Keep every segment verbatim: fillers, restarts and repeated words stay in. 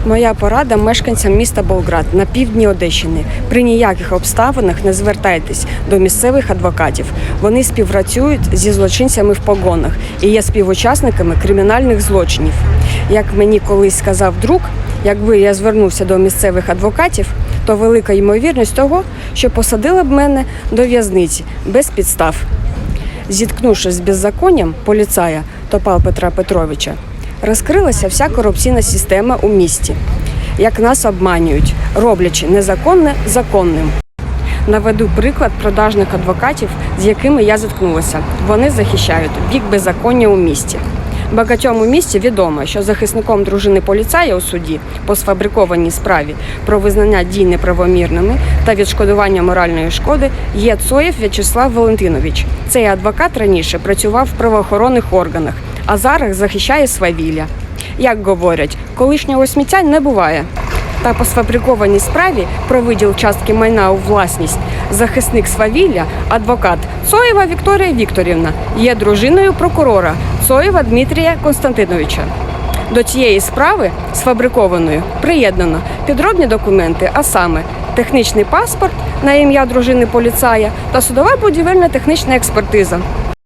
Моя порада мешканцям міста Болград на півдні Одещини. При ніяких обставинах не звертайтесь до місцевих адвокатів. Вони співпрацюють зі злочинцями в погонах і є співучасниками кримінальних злочинів. Як мені колись сказав друг, якби я звернувся до місцевих адвокатів, то велика ймовірність того, що посадили б мене до в'язниці без підстав. Зіткнувшись з беззаконням поліцая Топал Петра Петровича, розкрилася вся корупційна система у місті. Як нас обманюють, роблячи незаконне законним. Наведу приклад продажних адвокатів, з якими я зіткнулася. Вони захищають бік беззаконня у місті. Багатьом у місті відомо, що захисником дружини поліцая у суді по сфабрикованій справі про визнання дій неправомірними та відшкодування моральної шкоди є Цоєв В'ячеслав Валентинович. Цей адвокат раніше працював в правоохоронних органах, а зараз захищає свавілля. Як говорять, колишнього сміття не буває. Та по сфабрикованій справі про виділ частки майна у власність захисник свавілля, адвокат Цоєва Вікторія Вікторівна, є дружиною прокурора Цоєва Дмитрія Константиновича. До цієї справи, сфабрикованої, приєднано підробні документи, а саме технічний паспорт на ім'я дружини поліцая та судова будівельна технічна експертиза.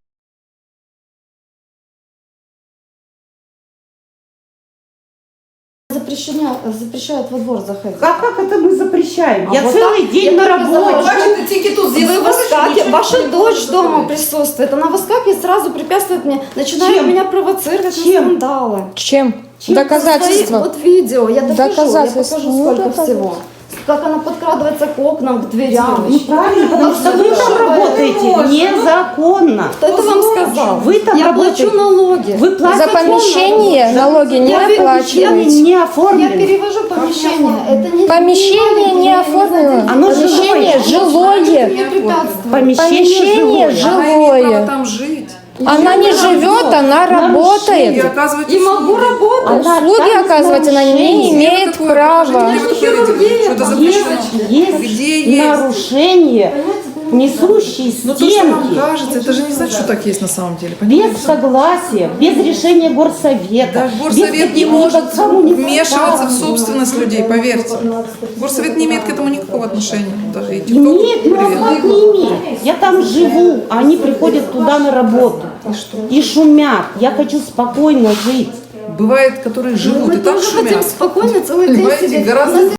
Запрещено, запрещают во двор заходить. А как это мы запрещаем? А Я вот целый так, день я на только работе. захожу. Вы выскакиваете, ваша дочь дома присутствует, она выскакивает, сразу препятствует мне, начинает Чем? меня провоцировать на Чем? скандалы. Чем? Чем? Доказательства. Свои, вот видео, я докажу, Доказательства. я покажу Ну, сколько доказательства. всего. Как она подкрадывается к окнам, к дверям. Ну правильно, потому что вы там работаете незаконно. Кто это вам сказал? Вы там я работаете. плачу налоги. Вы платите За помещение налоги не Я оплачиваете. не Я оформлены. перевожу помещение. Это не Помещение не оформлено. Оно Помещение жилое. жилое. мне препятствует. Помещение жилое. Она имеет право жилое. там жить. Она не живет, она И работает. оказывать И могу услуги. работать. Она Услуги там оказывать она не нарушение. имеет Какое права. положение вы такое видели? Что это запрещено? Есть, Где есть есть? нарушение, несущие Ну то, что нам стенки, кажется, это же не значит, что так есть на самом деле. без Понимаете? согласия, без решения горсовета, Да, без горсовет не каких-либо может вмешиваться в коммуникаций. собственность людей, поверьте. Горсовет не имеет к этому никакого отношения. Даже и Нет, ТикТок. никак не имеет. Я там живу, а они приходят туда на работу и шумят. Я хочу спокойно жить. Бывает, которые живут Мы и так тоже хотим шумят. спокойно целый день Понимаете, сидеть. гораздо У нас